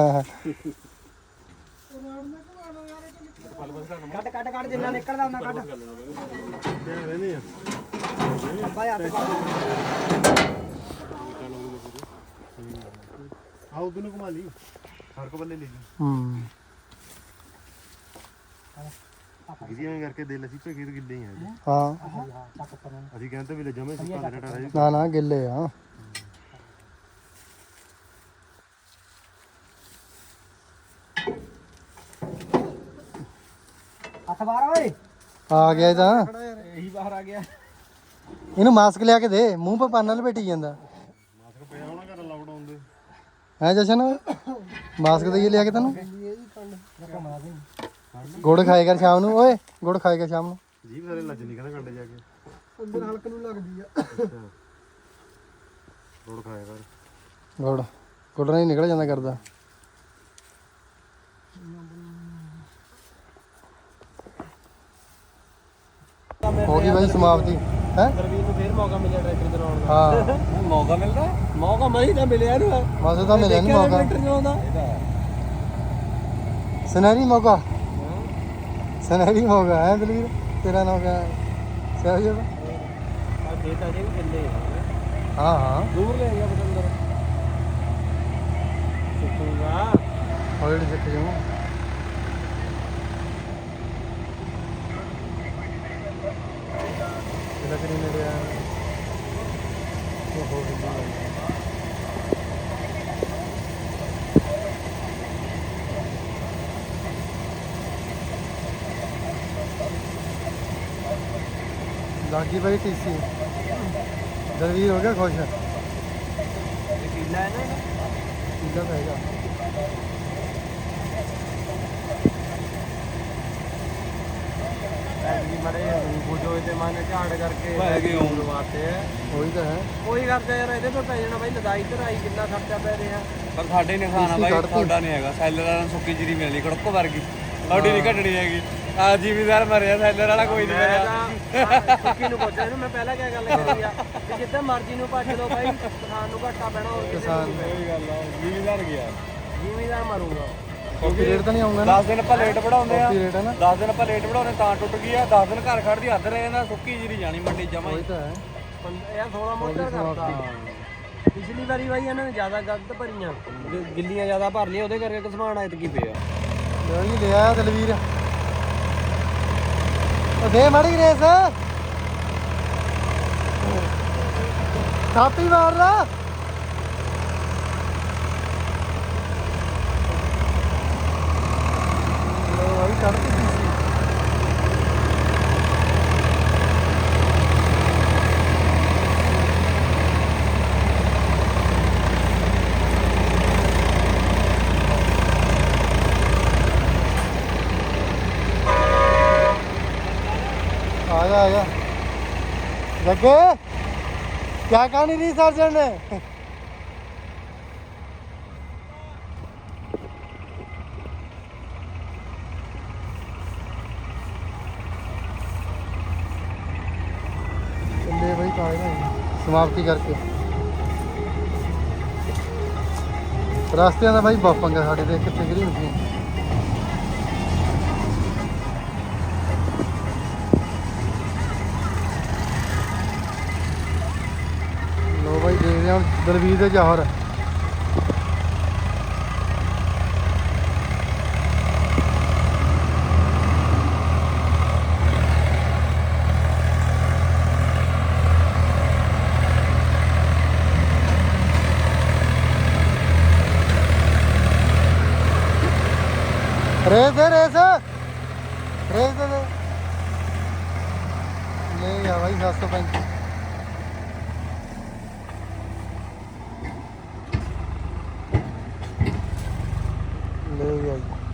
Speaker 6: ਕੱਟ ਕੱਟ ਕੱਟ ਜਿੰਨਾ ਨਿਕਲਦਾ ਉਹਨਾਂ ਕੱਟ
Speaker 5: ਰਹਿੰਦੇ ਆ
Speaker 6: ਬਾਈ ਹੱਥ ਪਾ
Speaker 5: ਆਉ ਤੈਨੂੰ ਘੁਮਾ ਲਈ ਹਰਕ ਬੱਲੇ ਲੈ ਲਈ
Speaker 1: ਹੂੰ
Speaker 5: ਗਿਰੀਆਂ ਕਰਕੇ ਦੇ ਲਸੀ ਪੇ ਖੇਤ ਗਿੱਲੇ ਹੀ ਆ ਜੀ।
Speaker 1: ਹਾਂ
Speaker 6: ਚੱਕ ਪਰ
Speaker 5: ਅਸੀਂ ਕਹਿੰਦੇ ਵੀ ਲੈ ਜਮੇ ਸੁੱਕਾ ਡਟਾ ਰਹਿ
Speaker 1: ਨਾ ਨਾ ਗਿੱਲੇ ਆ।
Speaker 6: ਹੱਥ ਬਾਹਰ ਓਏ
Speaker 1: ਆ ਗਿਆ ਇਹ ਤਾਂ।
Speaker 6: ਇਹੀ ਬਾਹਰ ਆ ਗਿਆ
Speaker 1: ਇਹਨੂੰ ਮਾਸਕ ਲਿਆ ਕੇ ਦੇ, ਮੂੰਹ ਪੇ ਪਾਨਾ ਲਪੇਟੀ ਜਾਂਦਾ।
Speaker 5: ਮਾਸਕ ਪਿਆ ਹੋਣਾ ਘਰ ਲਾਕਡਾਊਨ ਦੇ
Speaker 1: ਹੈ ਜਸ਼ਨ, ਮਾਸਕ ਦੇਈਏ ਲਿਆ ਕੇ ਤੈਨੂੰ। ਗੁੜ ਖਾਏ ਕਰ ਸ਼ਾਮ ਨੂੰ, ਓਏ ਗੁੜ ਖਾਏ ਕਰ ਸ਼ਾਮ ਨੂੰ।
Speaker 5: ਜੀਭ ਸਾਰੇ ਲੱਜ ਨਹੀਂ ਕਹਿੰਦਾ ਕੰਡੇ ਜਾ ਕੇ
Speaker 1: ਅੰਦਰ ਹਲਕ ਨੂੰ ਲੱਗਦੀ ਆ
Speaker 5: ਰੋੜ ਖਾਇਆ ਕਰ
Speaker 1: ਗੁੜ ਗੁੜ ਨਹੀਂ ਨਿਕਲ ਜਾਂਦਾ ਕਰਦਾ। ਹੋ ਗਈ ਬਾਈ ਸਮਾਪਤੀ ਹੈ।
Speaker 6: ਗੁਰਵੀਰ ਨੂੰ ਫੇਰ ਮੌਕਾ ਮਿਲਿਆ ਟਰੈਕਟਰ ਚਲਾਉਣ ਦਾ
Speaker 1: ਹਾਂ
Speaker 6: ਮੌਕਾ ਮਿਲਦਾ ਮੌਕਾ ਮੈਂ ਹੀ ਤਾਂ ਮਿਲਿਆ ਇਹਨੂੰ
Speaker 1: ਮਾਸੇ ਤਾਂ ਮਿਲਿਆ ਨਹੀਂ ਮੌਕਾ,
Speaker 6: ਟਰੈਕਟਰ ਚਲਾਉਂਦਾ
Speaker 1: ਸੁਨਹਿਰੀ ਮੌਕਾ, ਸੁਨਹਿਰੀ ਮੌਕਾ ਹੈ ਦਲਵੀਰ। ਤੇਰਾ ਨਾਮ ਕਿਆ ਹੈ? ਸਹਿਜ ਦਾ।
Speaker 6: ਆ ਖੇਤ ਅਜੇ ਵੀ ਚੱਲੇ
Speaker 1: ਹਾਂ ਹਾਂ
Speaker 6: ਦੂਰ ਲੈ ਗਿਆ ਬਟੰਦਰ ਸੁੱਕੂਗਾ
Speaker 1: ਹੌਲੀ ਸਿੱਖ ਜਾਊਂ। ਇਹਦਾ ਕਰੀ ਨੇੜੇ ਆ ਉਹ ਹੋ ਗਈ। ਲਾਗੀ ਬਾਈ ਟੀਸੀ ਦਲਵੀਰ ਹੋ ਗਿਆ ਖੁਸ਼।
Speaker 6: ਕੀਲਾ ਹੈ ਨਾ
Speaker 1: ਕਿੱਦਾਂ ਪਏਗਾ
Speaker 6: ਐਤਕੀ ਮੜੇ ਰੂਪ ਜੋ ਇਹਦੇ ਮਨ ਝਾੜ ਕਰਕੇ ਪੈ ਗਏ ਹੋਣ ਵਾਸਤੇ
Speaker 1: ਉਹੀ ਤਾਂ ਹੈ।
Speaker 6: ਕੋਈ ਕਰਦਾ ਯਾਰ ਇਹਦੇ ਤੋਂ ਪੈ ਜਾਣਾ ਬਾਈ ਲਦਾਈ ਤੇ ਰਾਈ ਕਿੰਨਾ ਖਰਚਾ ਪੈ ਰਿਹਾ
Speaker 3: ਪਰ ਸਾਡੇ ਨੇ ਖਾਣਾ
Speaker 1: ਇਸੀ
Speaker 3: ਬਾਈ
Speaker 1: ਕੱਢਤੀ।
Speaker 3: ਤੁਹਾਡਾ ਨਹੀਂ ਹੈਗਾ। ਸੈਲਰ ਵਾਲਾ ਨੂੰ ਸੁੱਕੀ ਜੀਰੀ ਮਿਲਣੀ ਕੜਕੋ ਵਰਗੀ, ਤੁਹਾਡੀ ਨਹੀਂ ਘਟਣੀ ਹੈਗੀ। ਆ ਜ਼ਿਮੀਦਾਰ ਮਰਿਆ, ਸੈਲਰ ਵਾਲਾ ਕੋਈ ਨਹੀਂ ਮਰਿਆ।
Speaker 6: ਸੁੱਕੀ ਨੂੰ ਪੁੱਛਿਆ ਇਹਨੂੰ ਮੈਂ ਪਹਿਲਾਂ ਕਿਆ ਗੱਲ ਕਰੀ ਆ ਕਿ ਜਿੱਦਾਂ ਮਰਜ਼ੀ ਨੂੰ ਭੱਜ ਲਓ ਬਾਈ ਕਿਸਾਨ ਨੂੰ ਘਾਟਾ ਪੈਣਾ ਹੋਰ ਕਿਸੇ ਨੂੰ ਨਹੀਂ
Speaker 3: ਕੋਈ ਗੱਲ ਆ, ਜ਼ਿਮੀਦਾਰ ਗਿਆ।
Speaker 6: ਪੈਣਾ। ਜ਼ਿਮੀਦਾਰ ਮਰੂਗਾ
Speaker 1: ਕਾਪੀ ਰੇਟ ਤਾਂ ਨਹੀਂ ਆਉਂਗਾ ਨਾ।
Speaker 3: ਦਸ ਦਿਨ ਆਪਾਂ ਲੇਟ ਵਧਾਉਂਦੇ ਆ,
Speaker 1: ਕਾਪੀ ਰੇਟ ਹੈ ਨਾ।
Speaker 3: ਦਸ ਦਿਨ ਆਪਾਂ ਲੇਟ ਵਧਾਉਂਦੇ ਤਾਂ ਟੁੱਟ ਗਈ ਆ। ਦਸ ਦਿਨ ਘਰ ਖੜਦੀ ਹੱਦ ਰਹੇ ਨਾ, ਸੁੱਕੀ ਜੀਰੀ ਜਾਣੀ ਮੰਡੀ ਜਮਾ
Speaker 1: ਉਹੀ
Speaker 3: ਹੀ।
Speaker 1: ਤਾਂ ਹੈ।
Speaker 6: ਇਹ ਸੋਲਾਂ ਮੋਟਰ ਕਰਤਾ ਪਿਛਲੀ ਵਾਰੀ ਬਾਈ ਇਹਨਾਂ ਨੇ ਜ਼ਿਆਦਾ ਗਲਤ ਭਰੀਆਂ ਗਿ- ਗਿੱਲੀਆਂ ਜ਼ਿਆਦਾ ਭਰ ਲਈਆਂ ਉਹਦੇ ਕਰਕੇ ਕਿਸਾਨ ਐਤਕੀ ਪਿਆ
Speaker 1: ਲੈ ਜੀ ਲਿਆ ਦਲਵੀਰ। ਉਹ ਦੇ ਮਾੜੀ ਰੇਸ ਥਾਪੀ ਮਾਰ ਲਾ। ਲੋ ਆਈ ਕੱਢਤੀ ਸੀ। आ जा आ जा जग्गे क्या कहानी रही सर्जन ने। ले भाई कागज ना समाप्ति करके रास्ते का भाई बहुत पंगा साढ़े देख कितने गिरी मशीन। लो भाई देख रहे हैं दलवीर के जौहर रेस दे रेस रेस दे दे ले गया भाई सात सौ पैंतीस। ਲੈ ਗਿਆ ਜੀ